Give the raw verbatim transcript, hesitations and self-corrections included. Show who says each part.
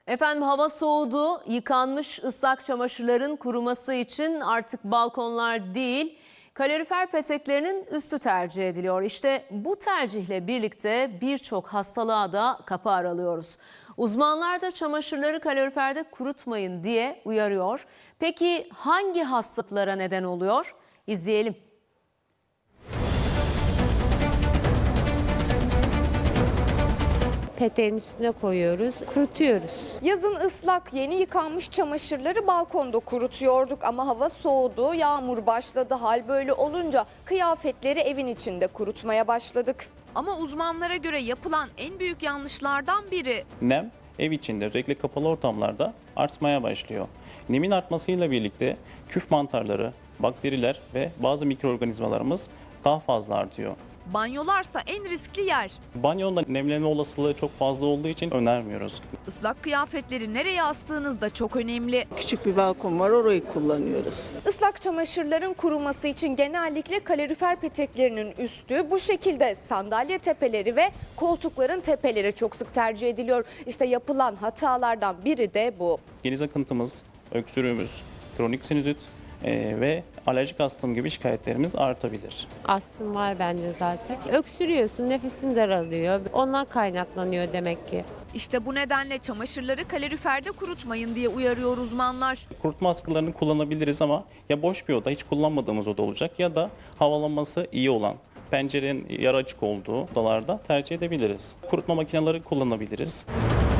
Speaker 1: Efendim hava soğudu. Yıkanmış ıslak çamaşırların kuruması için artık balkonlar değil, kalorifer peteklerinin üstü tercih ediliyor. İşte bu tercihle birlikte birçok hastalığa da kapı aralıyoruz. Uzmanlar da çamaşırları kaloriferde kurutmayın diye uyarıyor. Peki hangi hastalıklara neden oluyor? İzleyelim.
Speaker 2: Peteğin üstüne koyuyoruz, kurutuyoruz.
Speaker 3: Yazın ıslak yeni yıkanmış çamaşırları balkonda kurutuyorduk ama hava soğudu, yağmur başladı. Hal böyle olunca kıyafetleri evin içinde kurutmaya başladık. Ama uzmanlara göre yapılan en büyük yanlışlardan biri
Speaker 4: Nem ev içinde özellikle kapalı ortamlarda artmaya başlıyor. Nemin artmasıyla birlikte küf mantarları, bakteriler ve bazı mikroorganizmalarımız daha fazla artıyor.
Speaker 3: banyolarsa en riskli yer.
Speaker 4: Banyonda nemlenme olasılığı çok fazla olduğu için önermiyoruz.
Speaker 3: Islak kıyafetleri nereye astığınız da çok önemli.
Speaker 5: Küçük bir balkon var, orayı kullanıyoruz.
Speaker 3: Islak çamaşırların kuruması için genellikle kalorifer peteklerinin üstü, bu şekilde sandalye tepeleri ve koltukların tepeleri çok sık tercih ediliyor. İşte yapılan hatalardan biri de bu.
Speaker 4: Geniz akıntımız, öksürüğümüz, kronik sinüzit e, ve alerjik astım gibi şikayetlerimiz artabilir.
Speaker 2: Astım var bende zaten. Öksürüyorsun, nefesin daralıyor. Ondan kaynaklanıyor demek ki.
Speaker 3: İşte bu nedenle çamaşırları kaloriferde kurutmayın diye uyarıyor uzmanlar.
Speaker 4: Kurutma askılarını kullanabiliriz ama ya boş bir oda, hiç kullanmadığımız oda olacak ya da havalanması iyi olan, pencerenin yarı açık olduğu odalarda tercih edebiliriz. Kurutma makineleri kullanabiliriz.